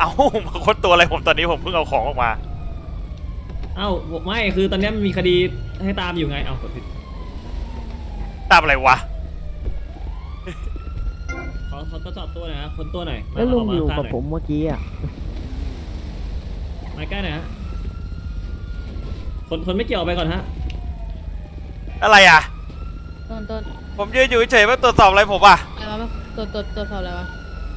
เอามาค้นตัวอะไรผมตอนนี้ผมเพิ่งเอาของออกมาเอ้าไม่คือตอนนี้มันมีคดีให้ตามอยู่ไงเอากดผิดตามอะไรวะเขาทดสอบตัวหน่อยนะคนตัวหน่อยแล้วลุงอยู่ากับผมเมื่อกี้อ่ะมาใกล้หน่อยฮะคนไม่เกี่ยวออกไปก่อนฮะอะไรอ่ะต้นผมยืนอยู่เฉยๆมาตรวจสอบอะไรผมอ่ะอะไรวะตัวสอบอะไรวะ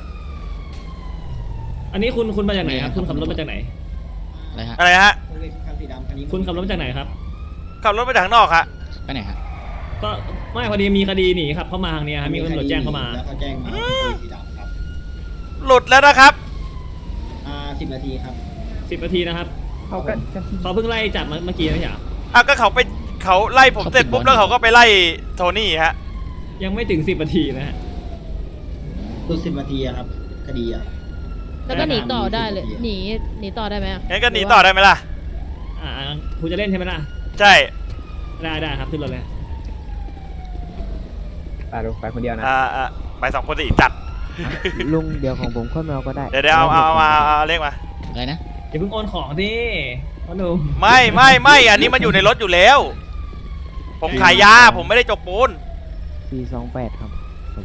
อันนี้คุณมาจากไหนครับคุณขับรถมาจากไหนอะไรฮะอะไรฮะคุณขับรถมาจากไหนครับขับรถมาจากข้างนอกฮะไปไหนฮะก็ไม่พอดีมีคดีหนีครับเข้ามาทางเนี้ยฮะมีตำรวจแจ้งเข้ามาแล้วเขาแจ้งมาสีดำครับหลุดแล้วนะครับ 10 นาทีครับ 10 นาทีนะครับเขาเพิ่งไล่จับเมื่อกี้ไม่ใช่เหรออ่ะก็เขาไล่ผมเสร็จปุ๊บแล้วเขาก็ไปไล่โทนี่ฮะยังไม่ถึง10 นาทีนะฮะดู10 นาทีอะครับ คดีอะแล้วก็หนีต่อได้เลยหนีต่อได้ไหมอะงั้นก็หนีต่อได้ไหมล่ะคุณจะเล่นใช่ไหมล่ะใช่ได้ครับขึ้นรถเลยไปคนเดียวนะไป2 คนสิจัดลุงเดี๋ยวของผมค่อยมาเอาก็ได้เดี๋ยวเอาเลขมาอะไรนะอย่าเพิ่งโอนของดิพ่อหนุ่มไม่อันนี้มันอยู่ในรถอยู่แล้ว ผมขายยาผมไม่ได้จกปูน 428ครับผม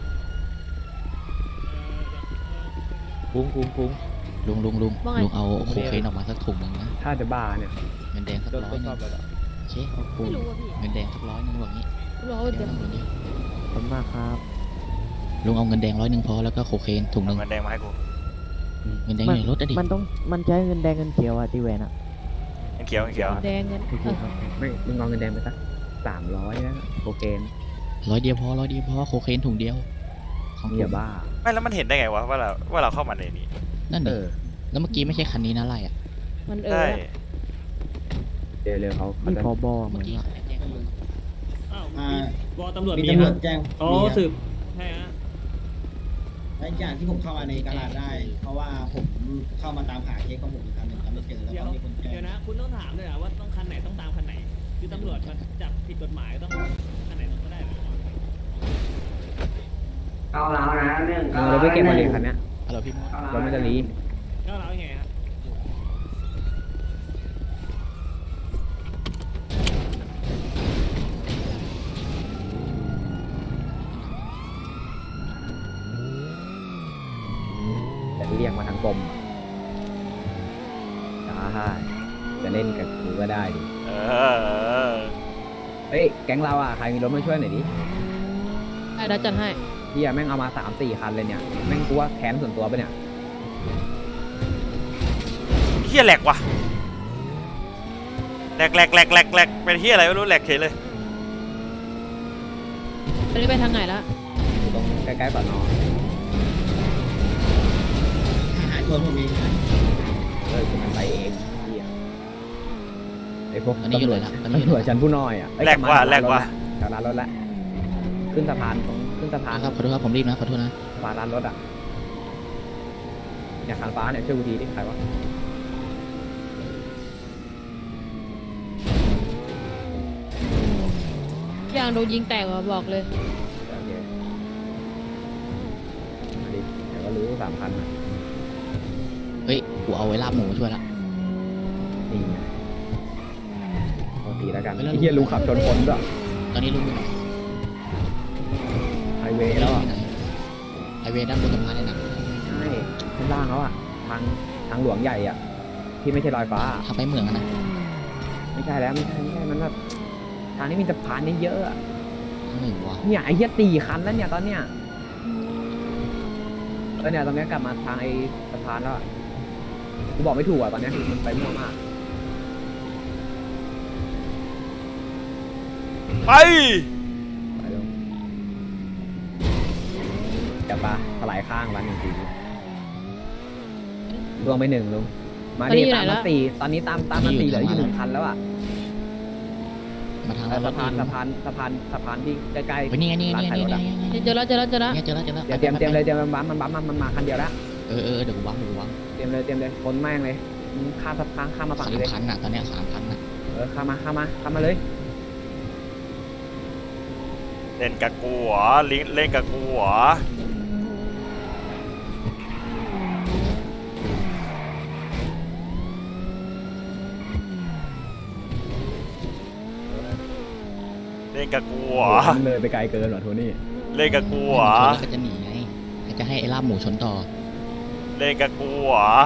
คุ้งลุงเอาโคเคนออกมาสักถุงหนึงนะถ้าจะบ้าเนี่ยเงินแดงสัก100นึงโอเคไม่รู้อะพี่เงินแดงสัก100นึงแบบนี้รู้ว่าเดี๋ยวขอบคุณมากครับลุงเอาเงินแดง100นึงพอแล้วก็โคเคนถุงหนึงเงินแดงมาให้กูเงินแดงอยู่ในรถอะดิมันใช้เงินแดงเงินเขียวอะที่แวนอะเงินเขียวแดงเงินโอเคครับไม่ลุงเอาเงินแดงไปสัก300นะโอเค 100 เดียวพอโคเคนถุงเดียวของอย่าบ้าไม่แล้วมันเห็นได้ไงวะว่าเราเข้ามาในนี้นั่นดิแล้วเมื่อกี้ไม่ใช่คันนี้นะไล่อะมันใช่เร็วเขานี่พอบอเหมืเมื่ออน กี้เขาแจ้งลุงอ้าวมีวอตำรวจมีมีตำรคว รัจบแจ้งเขาสืบใช่ฮะและอีกอย่างที่ผมเข้ามาในกาลาดได้ เพราะว่าผมเข้ามาตามหาเคสของผมอีกครั้งหนึ่งแล้วไม่เจอแล้วเดี๋ยวก็มีคนแจ้งเดี๋ยวนะคุณต้องถามเลยอะว่าต้องคันไหนต้องตามคันไหนคือตำรวจมันจับผิดกฎหมายต้องคันไหนต้องก็ได้เหรอเอาแล้วนะเรื่องเราไปเก็บมาเลยคันเนี้ยฮัลโหลพี่มดรถมันจะรีก็เรายังไงครับแต่เรียกมาทางกรมได้จะเล่นกับกูก็ได้ดิเออเฮ้ยแก๊งเราอ่ะใครมีรถมาช่วยหน่อยดิได้แล้วจัดให้พี่แม่งเอามา3-4 คันเลยเนี่ยแม่งกูว่าแค้นส่วนตัวปะเนี่ยเฮียแหลกว่ะแหลกเป็นเฮียอะไรไม่รู้แหลกเฉยเลยตอนนี้ไปทางไหนแล้วอยู่ตรงใกล้ๆสอนอหาชนผมเองนะคือมันไปเองเหี้ยไอ้พวกตอนนี้อยู่ตำรเลวจยละตอนตำนี้รวจชั้นผู้น้อยอ่ะเอ้ยแหลกว่ะกบมาแหลกว่ะแถวร้านรถละขึ้นสะพานขึ้นสะพานครับขอโทษครับผมรีบนะขอโทษนะสะพานร้านรถอ่ะเนี่ยคันฟ้าเนี่ยช่วยกูทีดิใครวะยางโดนยิงแตกว่ะบอกเลยโอเคมาดิเดี๋ยวก็รู้3,000อ่ะเฮ้ยกูเอาไว้ลาบหมูมาช่วยละนี่ไงปกติแล้วกันไม่แล้วไอ้เหี้ยลุงขับชนคนด้วยตอนนี้ลุงอยู่ไหนไฮเวย์แล้วอ่ะไฮเวย์ด้านบนสะพานเลยนะใช่ข้างล่างแล้วอ่ะทางหลวงใหญ่อ่ะที่ไม่ใช่ลอยฟ้าทางไปเหมืองอะนะไม่ใช่แล้วไม่ใช่มันแบบทางนี้มีสะพานเยอะๆอะทางหนึ่งวะเนี่ยไอ้เหี้ย4 คันแล้วเนี่ยตอนเนี้ยเนี่ยตอนเนี้ยกลับมาทางไอ้สะพานแล้วอะกูบอกไม่ถูกอ่ะตอนเนี้ยคือมันไปมั่วมากไปไปลงเดี๋ยวปะถลายข้างวัน1 ทีรวมไป1ลุงมาดิตามมา4ตอนนี้ตามมา4เหลืออยู่1 คันแล้วอ่ะมาทางสะพานที่ใกล้ไปนี่ไงนี่ไงร้านนี่ขายรถไงอะนี่ไงเจอแล้วเจอแล้วเจอแล้วเดี๋ยวเตรียมเลยเตรียมมันมาคันเดียวแล้วเออเดี๋ยวกูวางเตรียมเลยคนแม่งเลยข้ามสะพานข้ามมาฝั่งนี้เลย 3,000อะตอนเนี้ย3,000อะข้ามมาเลยเล่นกับกูเหรอเล่นกับกูเหรอนกับกูเหรอมันเลยไปไกลเกินเหรอโทนี่เล่นกับกูเหรอชนแล้วก็จะหนีไงก็จะให้ไอ้ลาบหมูชนต่อเล่นกับกูเหรอ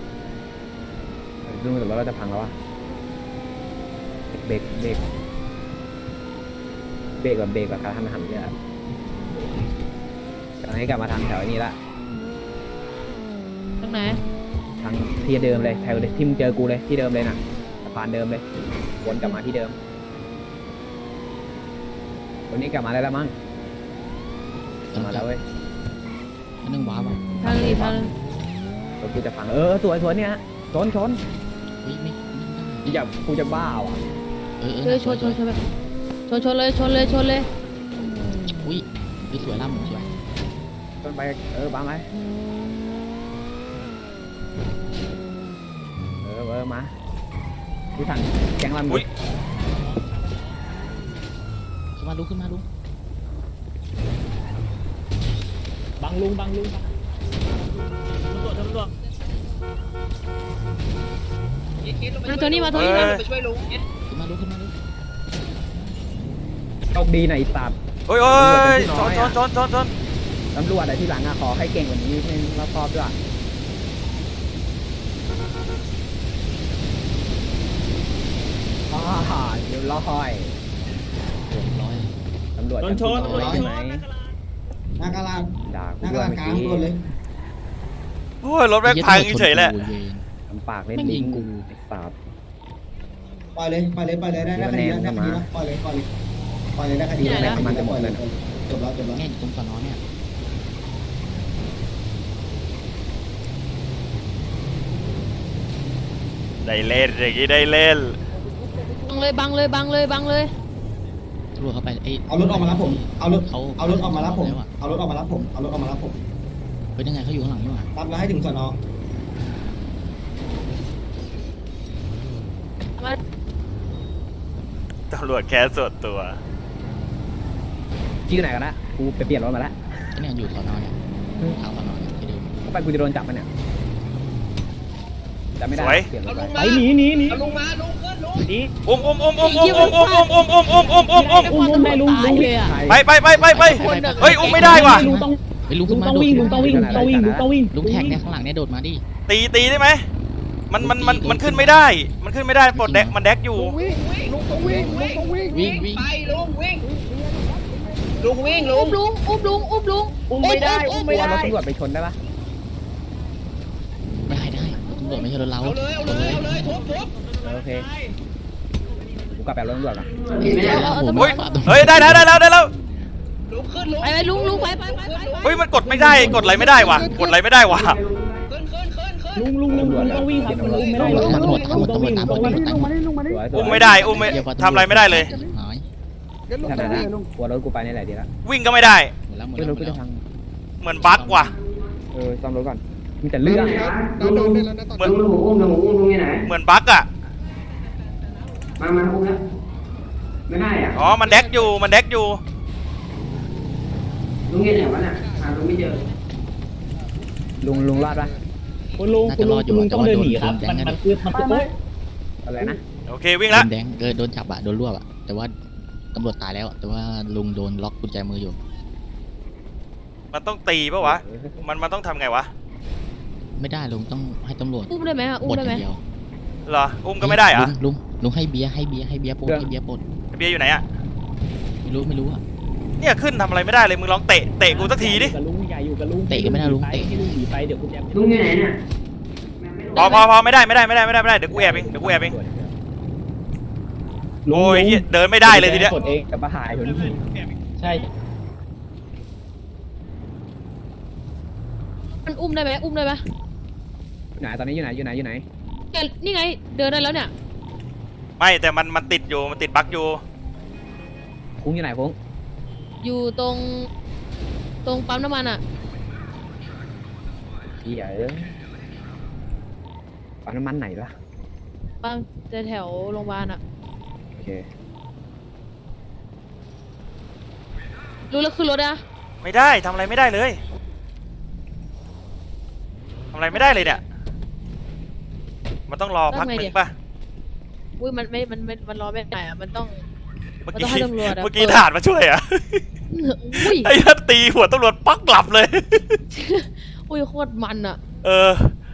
ดูแต่ว่าเราจะพังแล้ววะเบรกแบบกระทันหันเลยอะตอนนี้กลับมาทางแถวนี้ละตรงไหนทางที่เดิมเลยแถวที่มึงเจอกูเลยที่เดิมเลยน่ะสะพานเดิมเลยวนกลับมาที่เดิมวันนี้กลับมาได้แล้วมั้งกลับมาแล้วเว้ยอันนึงว้าวอ่ะทางนี้ทางนึงรถกูจะพังสวยเนี่ยชนเฮ้ยไม่ได้อย่ากูจะบ้าว่ะชนแบบชนเลยอุ้ยสวยลาบหมูสวยชนไปบ้าไหมมาที่ถังแกงลำอุ้ยขึ้นมาลุงบังลุงตำรวจมาโทนี่มาขึ้นมาลุงโชคดีหน่อยสัตว์โอ้ยชนตำรวจอะไรที่หลังขอให้เก่งกว่านี้นิดนึงรอบๆด้วยเดี๋ยวร้อยร้อยตำรวจชนใช่ไหมหน้ากระลาดด่าหกูน้ากด้ระวยลาดเมื่อกลางกี้ตัวเลยโอ้ยรถแม่งพังเฉยๆแหละทำปากเล่นลิงกูไอ้สัตว์ปล่อยเลยได้คดีแล้วปล่อยเลยได้คดีแล้วจบแล้วแง่อยู่ตรงสนอเนี่ยได้เล่นอย่างนี้ได้เล่นบังเลยตำรวจเข้าไปไอ้เอารถออกมารับผมเอารถเขาเอารถออกมารับผมแล้วอะเอารถออกมารับผมเป็นยังไงเขาอยู่ข้างหลังนี่หว่ารับแล้วให้ถึงสนตำรวจแค่ส่วนตัวที่ไหนกันนะกูไปเปลี่ยนรถมาแล้วก็เนี่ยอยู่สนอเนี่ยทางสนอเนี่ยที่เดิมไปกูจะโดนจับมันเนี่ยจับไม่ได้สวยเปลี่ยนรถไปไปหนีลุงมาลุงขึ้นลุงอุ้มได้ลุงตายเลยอ่ะไปเฮ้ยอุ้มไม่ได้ว่ะไปลุงขึ้นมาต้องวิ่งลุงต้องวิ่งลุงแท็กเนี่ยข้างหลังเนี่ยโดดมาดิตีได้ไหมมันขึ้นไม่ได้ ปลดแดกมันแดกอยู่วิ่งอุ้มลุงไม่ได้เอารถตำรวจไปชนได้ปะได้ตำรวจไม่ใช่รถเราเอาเลยโอเคกูกลับไปเอารถตำรวจก่อนเฮ้ยได้แล้วไปลุงไปเฮ้ยมันกดไม่ได้กดอะไรไม่ได้ว่ะตำรวจต้องวิ่งครับลุงไม่ได้ตำรวจตามหมดอุ้มไม่ได้ทำอะไรไม่ได้เลยหายขนาดนั้นกลัวรถกูไปในไหนดีละวิ่งก็ไม่ได้หมดรแล้วถกูจะพังเหมือนบั๊กว่ะซ่อมรถก่อนมีแต่เรื่องลุงเหมือนลุงอุ้มลุงอยู่ไหนเหมือนบั๊กอ่ะมาอุ้มแล้วไม่ได้อ่ะอ๋อมันแดกอยู่ลุงอยู่ไหนวะน่ะหาลุงไม่เจอลุงรอดปะคุณลุงต้องเดินหนีครับมันคืออะไรนะโอเควิ่งโดละนแดงโดนจับอะโดนรวบอะแต่ว่าตำรวจตายแล้วแต่ว่าลุงโดนล็อกกุญแจมืออยู่มันต้องตีปะวะมันต้องทำไงวะไม่ได้ลุงต้องให้ตำรวจอุ้มได้ไหมอุ้มปลดได้อไหมย่างเดียวเหรออุ้มก็ไม่ได้เหรอะลุงให้เบียร์ปลดปลดเบียร์อยู่ไหนอะไม่รู้อะเนี่ยขึ้นทำอะไรไม่ได้เลยมึงลองเตะกูสักทีดิกับลุงใหญ่อยู่กับลุงให้ลุงหนีไปเดี๋ยวคุณแจมลุงอยู่ไหนเนี่ยพอไม่ได้เดี๋ยวกูแอบเองโอ้ยเดินไม่ได้เลยทีเนี้ยกดเองกับปะหายคนนี้ใช่มันอุ้มได้ไหมไหนตอนนี้อยู่ไหนนี่ไงเดินได้แล้วเนี่ยไม่แต่มันติดอยู่มันติดบั๊กอยู่คุ้งอยู่ไหนคุ้งอยู่ตรงปั๊มน้ำมันอ่ะปั๊มน้ำมันไหนล่ะปั๊มแถวโรงพยาบาลอ่ะโอเครู้แล้วขึ้นรถนะไม่ได้ทำอะไรไม่ได้เลยเนี่ยมันต้องรอพักหนึ่งป่ะอุ้ยมันรอไม่ได้อ่ะมันต้องเมื่อมันกี้ต้องให้ตำรวจอะเมื่อกี้เปิดทหารมาช่วยอ่ะอุ้ยไอ้นั่นตีหัวตำรวจปักหลับเลยอุ้ยโคตรมันอะเออ